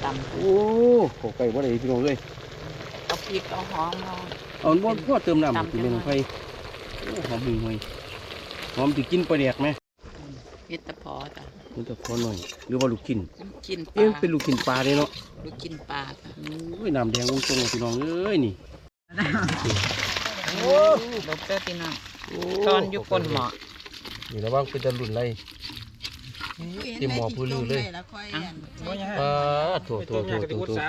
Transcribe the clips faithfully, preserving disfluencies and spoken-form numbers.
ตำโอ้ขอไก่บ่ได้พี่น้องเลยเอาพริกเอาหอมเอาเอาบ่พ่อเติมน้ำกินเป็นไฟโอ้หอมห่วยหอมจะกินปลาแดกไหมเห็ดตะพอจ้ะมันจะพอหน่อยหรือว่าลูกชิ้นกินปลาเอ๊ะเป็นลูกชิ้นปลาเลยเนาะลูกกินปลาจ้ะโอ้ยน้ำแดงองค์ตรงพี่น้องเอ้ยนี่โอ้ลบเตอร์พี่น้องตอนอยู่ก้นหม้อนี่ระวังเป็นจะหลุนไรที่หมอพื้นเลยปลาโถโถโถโถโถ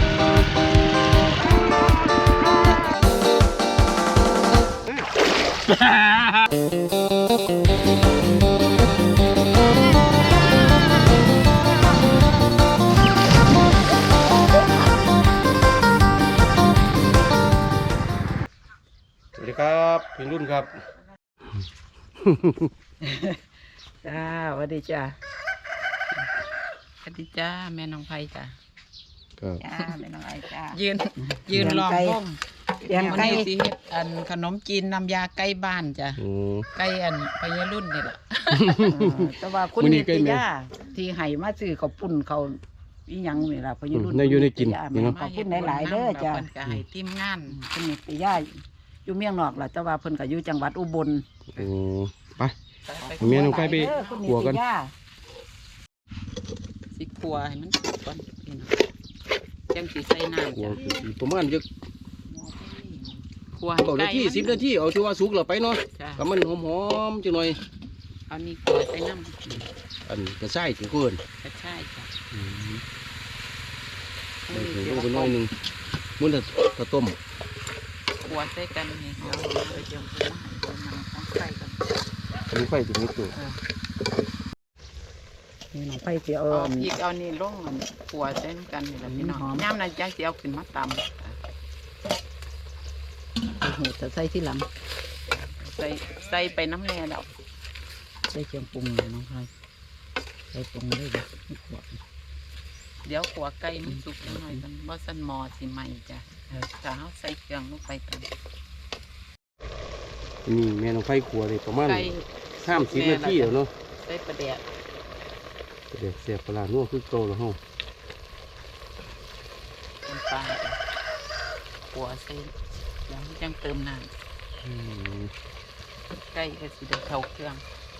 สวัสดีครับพี่รุ่นครับจ้าสวัสดีจ้าสวัสดีจ้าแม่น้องไผ่จ้าจ้าแม่น้องไผ่จ้ายืนยืนล้อมวงเลี้ยงไก่สิเฮ็ดอันขนมจีนน้ำยาไก่บ้านจ้ะไก่อันพญารุ่นนี่แหละแต่ว่าคุณนิตยาที่ให้มาซื้อข้าวปุ้นเขาอีหยังนี่ล่ะพญารุ่นในอยู่ในกินนี่เนาะขอบคุณหลายๆเด้อจ้ะเพิ่นก็ให้ทีมงานคุณนิตยาอยู่เมียงนอกล่ะแต่ว่าเพิ่นก็อยู่จังหวัดอุบลโอ้ไปเมียน้องไก่ไปขัวกันสิขัวให้มันก่อนนี่นะจังสิใส่น้ำจ้ะประมาณจะเก้านาทีสิบนาทีเอาที่ว่าสุกเราไปเนาะก็มันหอมๆจังหน่อยเอานี่ขัวใส่น้ำอันกระช่ายถึงเกินกระช่ายจ้ะเดี๋ยวไปน้อยหนึ่งมันจะกระต้มขัวใส่กันนี่เอาไปเจียวหัวเอาน้ำของไฟกันมีไฟถึงนิดตัวนี่น้องไฟเสียเอาพริกเอานี่ลงขัวใส่กันนี่แหละพี่น้องย่ำนั่นจังเสียเอาขึ้นมาตำโอ้จะใส่ที่หลังใส่ใส่ไปน้ำแร่แล้วใส่เครื่องปรุงน้องไฟใส่ปรุงได้เลยเดี๋ยวขัวไก่มันสุกหน่อยกันว่าสันมอสิใหม่จ้ะจะเอาใส่เครื่องลงไปกันนี่แม่น้องไฟขัวเลยประมาณห้ามสิบนาทีแล้วเนาะใส่ประเดี๋ยวประเดี๋ยวเสียบปลาหนัวคือโตแล้วห้องเป็นปลาขัวใส่แล้วจังเติมน้ำไก่ก็สิเดือดเข้าเครื่อง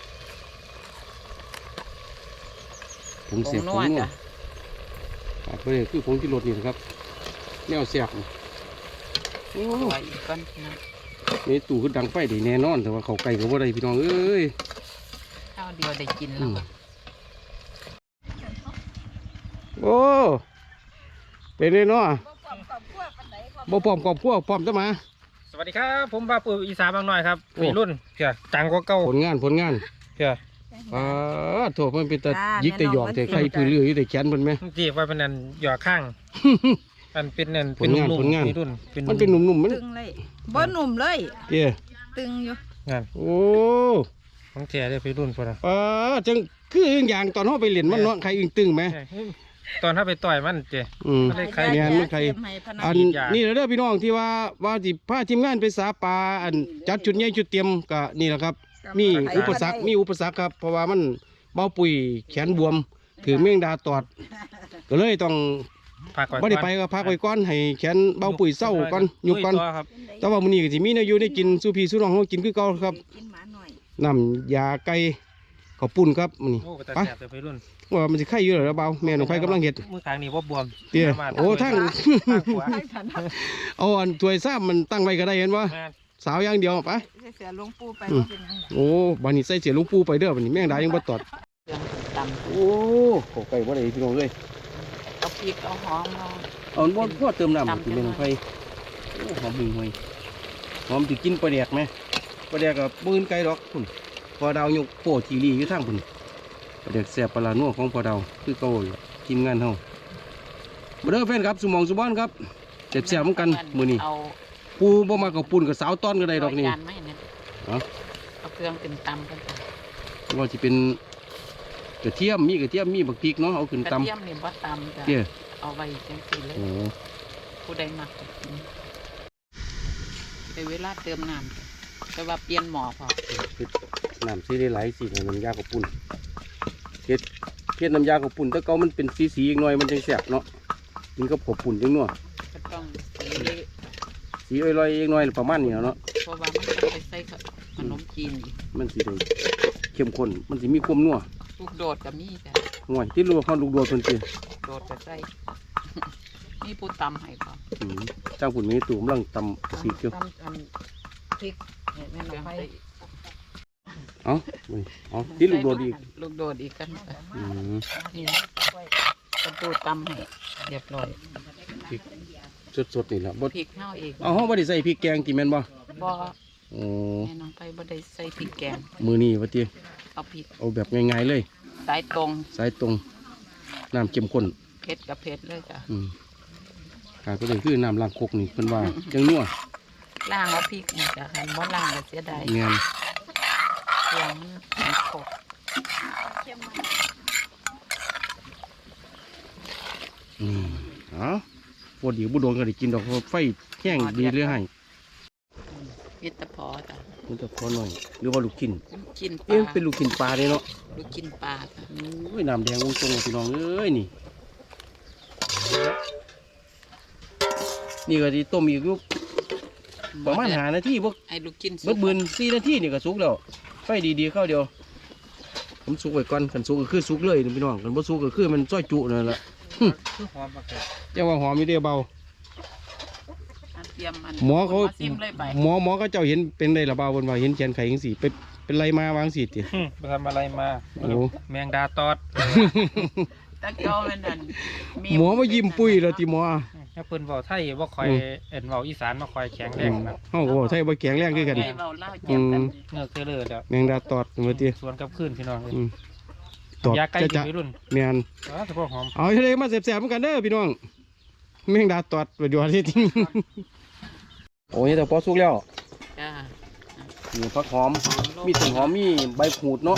ผมเสียบผมนวดขาดไปเลยคือผงที่รสนี่นะครับแนวเสียบโอ้ยอีกก้อนนะนี่ตู่คือดังไฟได้แน่นอนแต่ว่าเขาไก่ก็ว่าได้พี่น้องเอ้ยข้าวเดียวได้กินแล้วโอ้เป็นเลยเนาะบ่พร้อมกอบขั้วพร้อมจะมาสวัสดีครับผมป้าปู่อีสานบางหน่อยครับวัยรุ่นเพี่ยจังกว่าเก่าผลงานผลงานเพี่ยอ่าโถมันเป็นแต่ยิกแต่หยอกแต่ใครพื้นเรืออยู่แต่แขนมันไหมจีบว่าเป็นนั่นหยอกข้างมันเป็นนั่นเป็นนุ่มๆวัยรุ่นมันเป็นหนุ่มๆมันตึงเลยบ่หนุ่มเลยเตี้ยตึงอยู่งานโอ้ของแท้เลยวัยรุ่นพอละอ่าจังคืออึ่งอย่างตอนเขาไปเล่นมันเนาะใครอึ่งตึงไหมตอนถ้าไปต่อยมันเจ๊ไม่ได้ใครเนี่ยไม่ใครอันนี่แหละเด้อพี่น้องที่ว่าว่าที่พาทีมงานไปสาปลาอันจัดจุดใหญ่จุดเตรียมก็นี่แหละครับมีอุปสรรคมีอุปสรรคครับเพราะว่ามันเบาปุ๋ยแขนบวมถือเม่งดาตอดก็เลยต้องไม่ได้ไปก็พักไว้ก่อนให้แขนเบาปุ๋ยเศร้าก่อนยุบก่อนแต่ว่ามื้อนี้ก็สิมีเนื้ออยู่ได้กินสู้พี่สู้น้องเขากินคือเก่าครับน้ำยาไก่ข้าวปุ้นครับมื้อนี้ไปว่ามันจะไข่อยู่หรือเปล่าแม่น้องไฟกำลังเห็ดมือขางนี่ว่าบวมเตี้ยโอ้ทั้งเอาอันถ้วยซ้ำมันตั้งไว้ก็ได้เห็นว่าสาวอย่างเดียวไปเสียลุงปูไปโอ้บันนี้ใส่เสียลุงปูไปเด้อบันนี้แม่งได้ยังบ่ตอดโอ้ขอไก่บ่ได้พี่น้องเลยเอาพริกเอาหอมเอาเอาบ่พ่อเติมน้ำกินแม่น้องไฟหอมห่วยหอมจะกินปลาแดกไหมปลาแดกกับปืนไก่ดอกคุณพอดาวยกโปทีรีอยู่ทางคุณปลาแดกแสบปลาหนัวของพอดาวคือเก่าทีมงานเฮามาเด้อแฟนครับสมองสุบอนครับเจ็บแสบเหมือนกันมื้อนี้ปูบ่มากับปูนกับสาวต้อนก็ได้ดอกนี่เอาเครื่องเป็นตำกันว่าจะเป็นกระเทียมมีกระเทียมมีบักพริกเนาะเอาขึ้นตำกระเทียมนี่บ่ตำจ้ะเอาไว้จังซี่เลยผู้ใดมักในเวลาเติมน้ำแต่ว่าเปลี่ยนหม้อพอน้ำซีได้หลายสีน้ำยากับปุ่นเฮ็ดเฮ็ดน้ำยากับปุ่นถ้าเก่ามันเป็นสีสีอีกหน่อยมันจังแสบเนาะกินกับขบปุ่นจังนัวก็ต้องสีสีอร่อยๆเองหน่อยประมาณนี้เนาะเพราะว่ามันต้องไปใส่ขนมจีนอีกมันสิได้เข้มข้นมันสิมีความนัวลูกโดดกับมีจ้ะห่วยที่รู้ว่าเขาลูกโดดเพิ่นสิโดดจะใส่ มีผู้ตำให้ก่อนอืมจ้างปุ่นมีตู่กำลังตำกะปิอยู่ตำอันพริกเนี่ยแม่น้องไผ่เอ้าอุ้ยเอ้าที่ลูกโดดอีกลูกโดดอีกกันอืมนี่กระปูตำให้เรียบร้อยพริกสดๆนี่ล่ะบ่พริกเฮาเองเอาเฮาบ่ได้ใส่พริกแกงติแม่นบ่บ่โอ้แม่น้องไผ่บ่ได้ใส่พริกแกงมื้อนี้ว่าติเอาพริกเอาแบบง่ายๆเลยสายตรงสายตรงน้ำเข้มข้นเผ็ดกับเผ็ดเลยจ้ะอืมการก็เลยคือน้ำล้างคกนี่เพิ่นว่าจังนัวล่างเอาพริกนี่จ้ะคันบ่ล่างก็เสียดายแม่นเครื่องมันขบอืมเอ้าบ่ดีบ่โดนก็ได้กินดอกเพราะไฟแห้งดีเลยให้วิตาพอจ้ะมันจะพอหน่อยหรือว่าลูกชิ้นกินปเอ๊ะลาเป็นลูกชิ้นปลาเด้เนาะลูกกินปลาจ้ะโอ้ยน้ำแดงวงตรงพี่น้องเอ้ยนี่ นี่ก็สิต้มอีกอยู่ประมาณห้านาทีบ่ให้ลูกกินเบิดบืนสี่นาทีนี่ก็สุกแล้วไฟดีๆเข้าเดียวผมสุกไว้ก่อนคันสุกก็คือสุกเลยนี่พี่น้องคันบ่สุกก็คือมันซอยจุนั่นแหละคือหอมมากเลยจังว่าหอมอยู่เด้เบาอันเตรียมมันหมอเขาซิมเลยไปหมอหมอก็เจ้าเห็นเป็นได้ละเบาเพิ่นว่าเห็นแขนไขจังซี่ไปเป็นไรมาวางสิติหึไปทำอะไรมาโอ้แมงดาตอดตะเกียวมันนั่นหมอมายิ้มปุ้ยแล้วติหมอถ้าเพิ่นเว้าไทยบ่ค่อยอืมเอ็นเว้าอีสานบ่ค่อยแข็งแรอืงมนะเฮาก็บ่ใช่บ่แข็งแรงคือกันไงเบาเล่าอืเจ็บกันมเงือกเทเลอร์แล้วแมงดาตอดว่าติสวนกับคืนพี่น้องเอ้ยอืมตอดยาไก่จะกินจะวัยรุ่นแม่นอ๋อแต่พวกหอมเอาทะเลมาแซ่บๆเหมือนกันเด้อพี่น้องแมงดาตอดประโยชน์ที่จริง โอ้ยแต่พอสุกแล้วจ้ามีผักหอมมีต้นหอมมีใบขูดเนาะ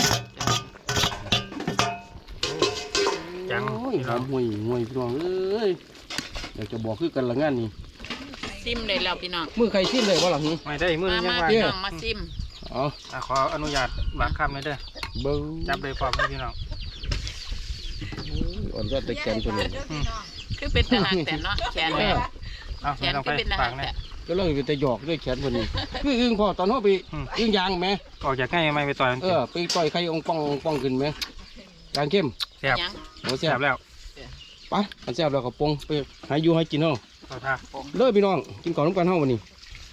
จังโอ้ยหอมห่วยห่วยพี่น้องเอ้ยอยากจะบอกคือกันละงานนี้ซิมเลยแล้วพี่น้องมือใครชิมเลยว่าหลังไม่ได้มื้อมานี้ยังมาว่าพี่น้องมาซิมอ๋ออ่ะขออนุญาตบากคำเลยเด้อเบิ้งจับเลยพร้อมเลยพี่น้องอ่อนก็ตะแกนตัวนี้คือเป็นทหารแต่เนาะแขนเอแม่อเอาแขไม่นต้องคืไปอเป็นทหาฝาร กแต่นะก็เลยไปแต่หยอกด้วยแขนคนนี้คืออึ้งพอตอนเขาไปอึ้งยางไหมออกจากง่ายไม่ไปต่อยมันเออไปต่อยใครองป้องป้องขึ้นไหมยางเข้มแซ่บยังโอ้แซ่แซ่บบ แล้วไปอันแซ่บแล้วก็ปรุงไปหาอยู่ให้กินเฮาเอาท่าเด้อพี่น้องกินก่อนน้ำกันเฮาวันนี้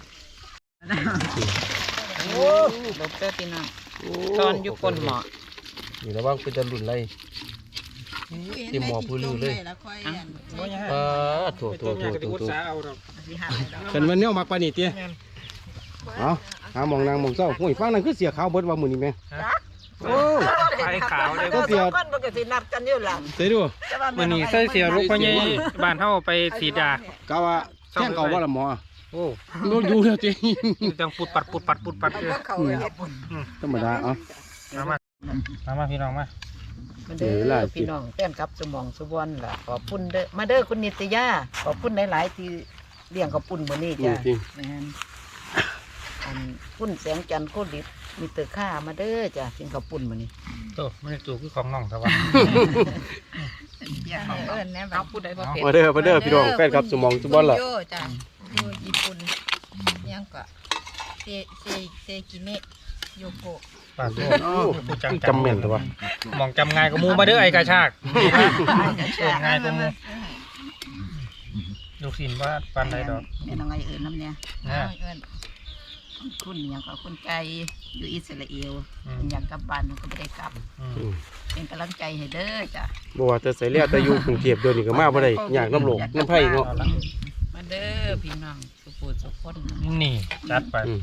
โอ้ลบเตอร์พี่น้องตอนอยู่ก้นหมอนี่ระวังเป็นจะหลุนไรที่หมอผู้ลือเลยอ่ะบ่ยังปาดโถโถตัวโถใหญ่ก็โถจะอุดโถสาเอาดอกเป็นวันนี้เอามักปานนี่เตี้ยเอาหาหมองนางหมองเจ้าหุ้ยฟังนั่นคือเสียขาวเบิดว่ามื้อนี้แม่โอ้ไฟขาวเลยก็เสียคนปกตินัดกันอยู่หลังเสียดูมื้อนี้ใส่เสียลูกพ่อใหญ่บ้านเฮาไปสีดากะว่าแท่งเก่าว่าละหมอโอ้โดนอยู่แล้วเจ้จังปุดปัดปุดปัดปุดปัดเด้อเขาเฮ็ดธรรมดาเอ้ามามามามาพี่น้องมามาเด้อพี่น้องแต้นกับสมองสุวรรณล่ะขอบคุณเด้อมาเด้อคุณนิตยาขอบคุณหลายๆที่เลี้ยงกับปุ่นมื้อนี้จ้ะจริงแม่นอันปุ่นแสงจันทร์โคดิดมีเตอข้ามาเด้อจ้ะกินกับปุ่นมื้อนี้โตไม่ได้จูคือของน้องแต่ว่าอย่าให้เอิ้นแน่บัเอาดผู้ใดบ่เป็นมาเด้อมาเด้อพี่น้องแฟนครับสมองทุกวันล่ะโยจ้ะอยู่ญี่ปุ่นยังก็เซเซเซกิเมะโยโกะปากโตผู้จังจำแม่นตัวมองจำง่ายก็มูมาเด้อไอ้กระชากเออง่ายก็มูลูกศิลป์ว่าปันใดดอกแม่น้องไอเอิ้นน้ำเนี่ยนะเอิ้นคุณหยังก็คุณไกอยู่อิสราเอลอืมเพิ่นอยากกลับบ้านเพิ่นก็บ่ได้กลับอืมอืมเป็นกำลังใจให้เด้อจ้ะบ่ว่าแต่ใส่เลียแต่อยู่กรุงเทพเดี๋ยวนี้ก็มาบ่ได้อยากน้ำโลกน้ำไผ่เนาะมาเด้อพี่น้องสุปูสุคนนี่จัดไปอืม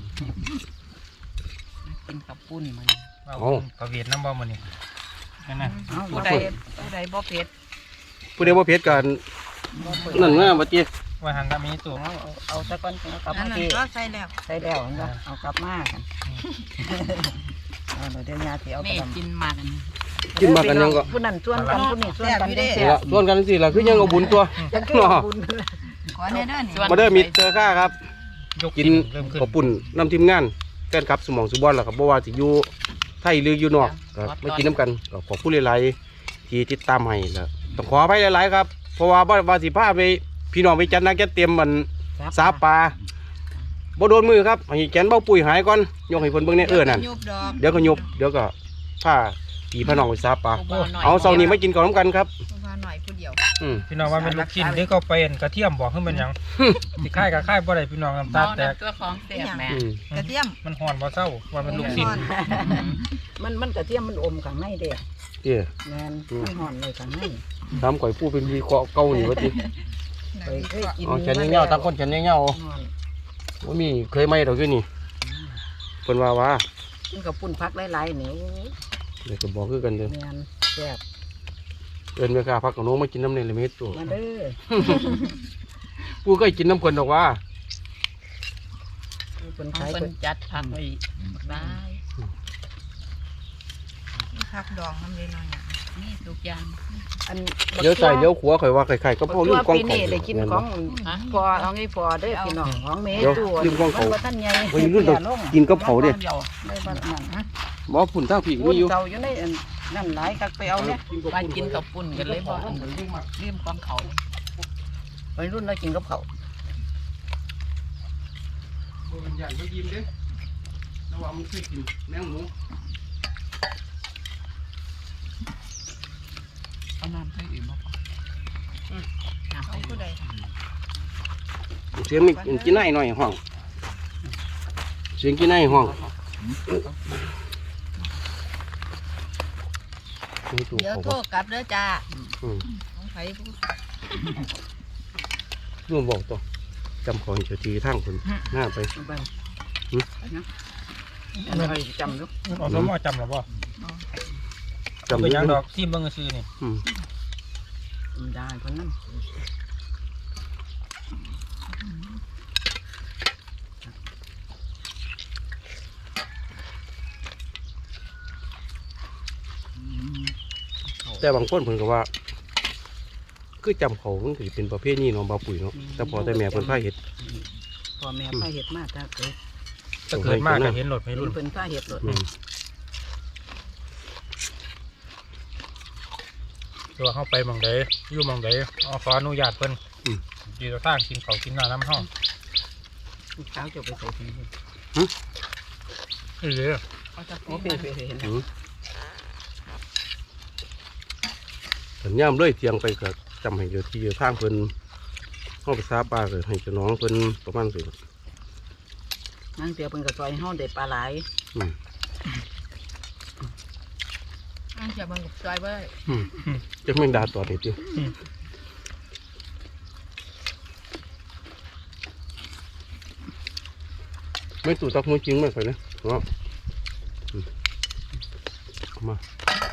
กินกับปุ้นมันเอาเอาประเวียดน้ำบ่มันนี่นั่นน่ะเอาผู้ใดผู้ใดบ่เผ็ดผู้ใดบ่เผ็ดกันบ่เผ็ดนั่นนะบ่ติว่าหันตามีตัวเอาเอาเอาตะก้อนเอากลับอัมานนั้นที่ก็ใส่แล้วใส่แล้วเห็นบ่เอากลับมากันเอาเดี๋ยวยาสิเอาไปกินมากันกินมากันยังก็ผู้นั้นชวนกันผู้นี้ชวนกันนี่ละส่วนกันสิล่ะคือยังเอาบุญตัวจังคือเนาะบุญขอแน่เด้อนี่มาเด้อมิตรเจอข้าครับยกกินเริ่มขึ้นข้าวปุ่นน้ำทีมงานแฟนครับสมองสุบอนล่ะครับบ่ว่าสิอยู่ไทยหรืออยู่นอกก็มากินน้ำกันก็ขอบคุณหลายๆที่ติดตามให้แล้วต้องขออภัยหลายๆครับราะว่าบ่ว่าสิพาไปพี่น้องไปจัดนักจัดเตรียมมันสาปลาบ่โดนมือครับให้แกนเบ้าปุ๋ยหายก่อนยกให้เพิ่นเบิ่งในเอื้อนั่นยุบดอกเดี๋ยวก็ยุบเดี๋ยวก็พาพี่พี่น้องไปสาปลาบ่หน่ยเอาเสาร์นี้มากินก่อนน้ำกันครับมาหน่อยผู้เดียวอืมพี่น้องว่าเป็นลูกชิ้นที่เขาเป็นกระเทียมบอกให้มันหยังสิค่ายกับค่ายบ่ได้พี่น้องน้ำตาเอาแตกน้ำตัวของเสียบแม่อืมกระเทียมมันห่อนบ่เศร้าว่ามันลูกชิ้นมันมันกระเทียมมันอมข้างในเด้เอ้ยแมนมันห่อนเลยข้างในทำก่อยผู้เป็นวีเคราะห์เก่านี่ว่าติเคยเคยกินอ๋อแขนเงี้ยวๆตั้งคนแขนเงี้ยวห่อนๆว่ามีเคยไหมดอกอยู่นี่เพิ่นว่าว่ามันกับปุ่นพักหลายๆนี่เดี๋ยวก็บอกคือกันเด้อแมนแซ่บเอิ้นแม่ค้าพักกับน้องมากินน้ำในละเม็ดตัวมาเด้อผู้เคยกินน้ำเพิ่นดอกว่าเป็นของขายเพิ่เพิ่นนจัดผักไว้ได้พักดองน้ำเลยหน่อยอ่ะนี่ทุกอย่างอันเลี้ยวใส่เลี้ยวขวาข่อยว่าไข่ๆก็พอลืมกล้องปีเขานี้ได้กินของพอเอาไงพอเด้อพี่น้องของเมตูมันบ่ทันใหญ่เฮ้ยรุ่นต้องกินกับเขาเด้ได้บ้านนั่นฮะบ่ฝุ่นทางผีวุ้มีนอยู่เก่าอยู่ในอันนั่นหลายกักไปเอาเนี่ยไปกินกับปุ่นกันเลยบ่อันลืมของเขาวัยรุ่นเรากินกับเขาบ่เป็นอย่างบ่ยิ้มเด้ระวังมันเคยกินแมงหมูเอาน้ำให้อิ่มบ่น้ำขอให้งผู้ใดเสียงมีกินได้หน่อยห้องเสียงกินได้ห้องนี่ตัวเดี๋ยวเขาโทรกลับเด้อจ้าอืมของไผผู้ร่วมบอกต่อจำของเจ้าทีทางคนหน้าไปไปนะอะไรจำดูเอาสมอจำหรอบ่จำเป็นหยังได้ดอกที่เบิ่งซื่อนี่อืมได้คนนั้นแต่บางคนเพิ่นก็ว่า คือจำเขามันถือเป็นประเภทนี้เนาะบาปุ๋ยเนาะแต่พอแต่แม่เพิ่นพาเฮ็ดพ่อแม่พาเห็ดมาถ้าเกิดถ้าเกิดมากก็เห็นรถไม่รุ่นเป็นพาเห็ดเลยอืมตัวเข้าไปหมองใดอยู่หมองใดเอาขออนุญาตเพิ่นดีต่อทางกินเขาวกินน้ำน้ำห้องเช้าจะไปใส่ถุงมือนี่เลยเขาจะโอ้ปีเปมันเห็นอืมสัญญามเลยเทียงไปก็จำให้เจ้าที่เจ้าทางเพิ่นเฮาไปซาปลาก็ให้เจ้าน้องเพิ่นประมาณสินั่งเตียวเป็นกระซอยห้องเด็ดปลาไหลอืมอันจะบังกับซอยเว้ยอืมจักแม่งดาตอดนี่ติไม่ตู่ตักมือจริงไหมข่อยนะเนาะอืมเอามา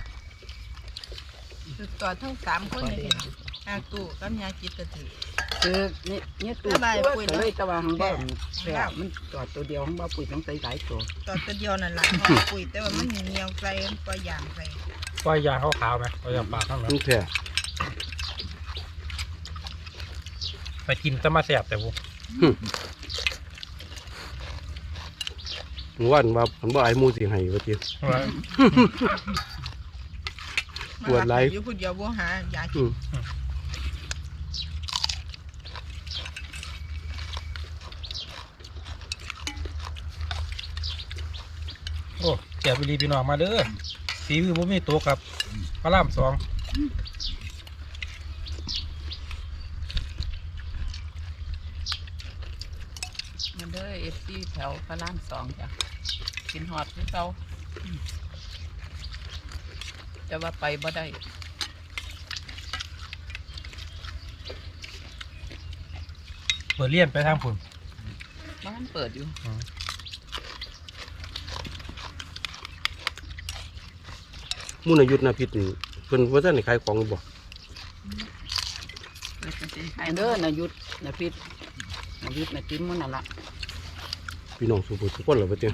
สุดต่อทั้งสามคนเลยอาตู่กับยาจิตกระถือคือนี่นี่ตัวตัวเลยตะวันของบ้านแซ่บมันจอดตัวเดียวของบ้านปุ๋ยต้องใส่หลายตัวต่อตัวเดียวนั่นแหละปุ๋ยแต่ว่ามันเหนียวใส่ปล่อยอย่างใส่ปล่อยยาขาวๆไหมปล่อยยาปากข้างหลังมันแท้ไปกินจะมาแสบแต่บุหมู่บ้านว่าผมบ่ไอ้หมูสิให้ว่าติว่าปวดไหล่อยู่ผู้เดียวบ่หายาอืมโอ้แก่ไปรีพี่น้องมาเด้อสีมือบ่มีตัวกับพระรามสองมันเด้อเอฟซีแถวพระรามสองจ้ะกินฮอดที่เก่าจะว่าไปบ่ได้เปิดเลี่ยนไปทางฝุ่นบ้านเปิดอยู่มูลยุทธนาพิษนี่เพิ่นว่าท่านได้ขายของอยู่บ่เปิดจังซี่ไอ้เด้อนายุทธนาพิษนายุทธนาจิ้มมันนั่นละพี่น้องสุภุทุกคนเหรอว่าติ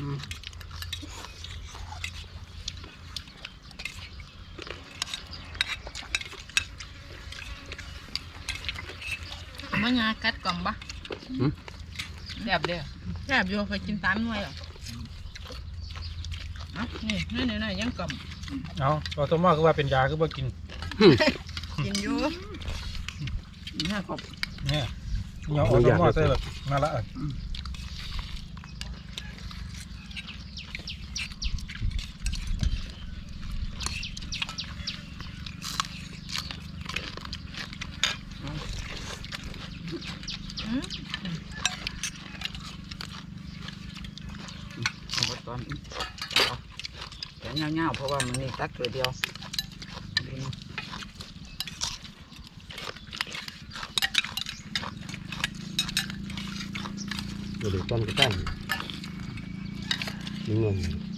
มันยากัดกล่อมปะแบบเด้อแซ่บอยู่เคยกินสามหน่วยหรออ่ะนี่นี่นี่ยังกล่อมเอาเราตัวมากคือว่าเป็นยาคือว่ากินกินอยู่เนี่ยขอบเนี่ยเหนียวเอาต้มหม้อใส่แบบนั่นละเอาตอนแต่เงาๆเพราะว่ามันนี่ตักตัวเดียวเดี๋ยวเดี๋ยวตอนกระตั้งนี่เงิน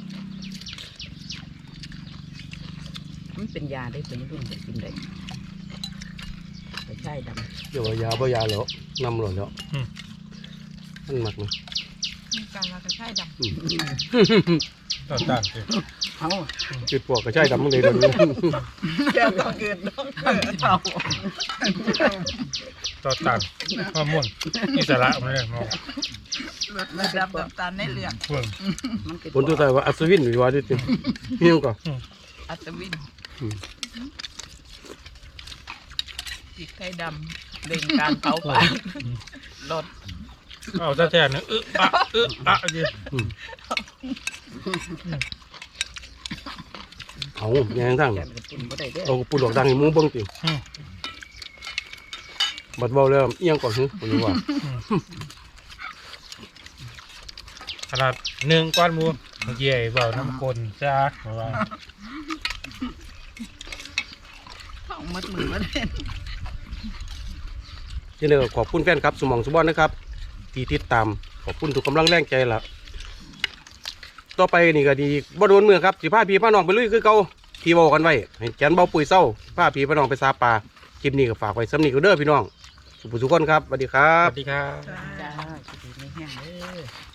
มันเป็นยาได้เป็นรุ่นจะกินได้แต่ใช่ดำเดี๋ยวยาบ่ยาแล้วนำหล่นแล้วมันหมักมั้ยมีการมากระชายดำต่อต้านสิเอาจุดปวกก็ใช่ดำมึงเลยเดี๋ยวนี้แก้วต้องอื่นต้องเอาต่อต้านฮอร์โมนอิสระมันเลยมองระดับน้ำตาลในเลือดเพิ่งมันเป็นผลตัวใจว่าอัศวินหรือว่าดิจินี่มันก็อัศวินพริกไทยดำเร่งการเผาผลาญลดเอาซะแท้เนี่ยอึะอะอึะอะดิเอาแยงทั้งแก้วกินบ่ได้เด้อเอาปูดอกดังให้หมูเบิ่งติบัดเบาแล้วเอียงก่อนฮึผมรู้ว่าขนาดหนึ่งก้อนหมูเมื่อกี้ไอ้เบาน้ำกลนจ้าว่าเข้ามัดมือมาเล่นเช่นเดียวกับขอบคุณแฟนครับสมองสุบอนนะครับที่ติดตามขอบคุณทุกกำลังแรงใจละต่อไปนี่ก็ดีบ่โดนเมืองครับสิพาพี่พาน้องไปลุยคือเก่าที่บอกกันไว้ให้แกนเบาปุ๋ยเศร้าพาพี่พาน้องไปซาปลาคลิปนี้ก็ฝากไว้สำนีก็เด้อพี่น้องสุขทุกคนครับสวัสดีครัสบวัสดีครับจ้าสิดีไม่แห้งเด้อ